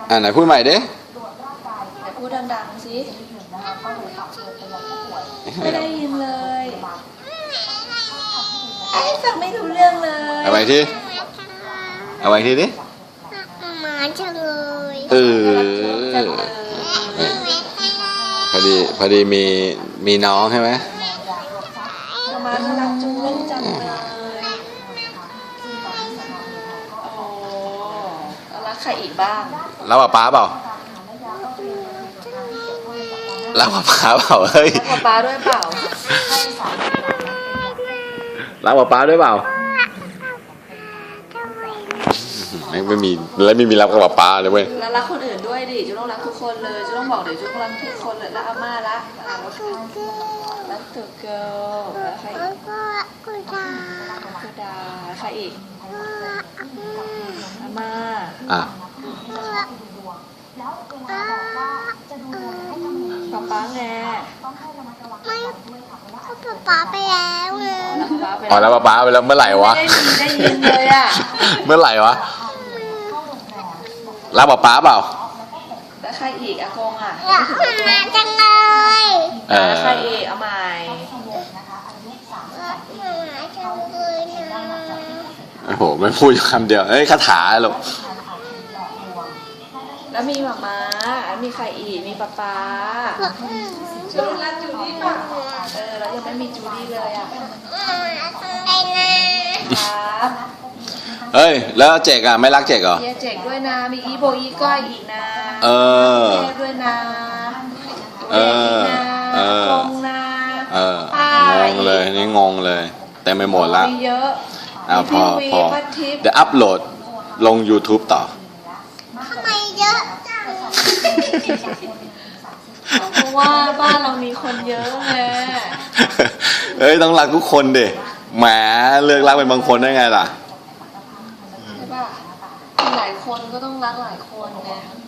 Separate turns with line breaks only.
ไหนพูดใหม่ดิ
ไหนพูดดังๆสิไม่ได้ยินเลยฟังไม่รู้เรื่องเลย
เอาไว้ทีเอาไว้ทีดิ
หมาจังเลย
พอดีมีน้องใช่ไหม
มาน่ารักจุ้งจังเลยโอ้รักใครอีกบ้าง
แล้วป๊าเปล่าแล้วป๊าเปล่าเฮ้ย
รักป๊าด้วยเปล่า
รักป๊าด้วยเปล่าไม่มีแล้วไม่มีรักกับป๊าเลยเว้ย
แล้วรักคนอื่นด้วยดิจุ๊ต้องรักทุกคนเลยจุ๊ต้องบอกเดี๋ยวจุ๊ต้องรักทุกคนเลยรักอาม่ารักตัวเกิร์ลแล้วใครอีกกูดาใครอีกอาม่าป๊าไง
ไม่ป๊าไปแล้วไง
แล้วป๊าไปแล้วเมื่อไหร่วะ
ได้ยินเลยอ่ะ
เมื่อไหร่วะรักป๊าเปล่า
แล้วใครอีกอากงอ่ะ
มาจังเลย
ใครอีกเอาใหม่
โอ้โหไม่พูดคำเดียวคาถาหรอก
แล้วมีหม่ามีใครอีกมีป๊าจูดี้รักจูดี้ป่ะแล้วยังไม่มีจูดี้เลยอ่ะครับ
เฮ้ยแล้วเจกไม่รักเจกเหรอ
เจกด้วยนะมีอีโบอีก้อยอีกนะด้วยนะงงนะ
งงเลยนี่งงเลยแต่ไม่หมดละ
มีเยอะ
พอเดี๋ยวอัพโหลดลง YouTube ต่อ
ทำไมเยอะจัง
เพราะว่าบ้านเรามีคนเยอะไง
ต้องรักทุกคนดิแหมเลือกรักเป็นบางคนได้ไงล่ะ
ใช่ป่ะหลายคนก็ต้องรักหลายคนไง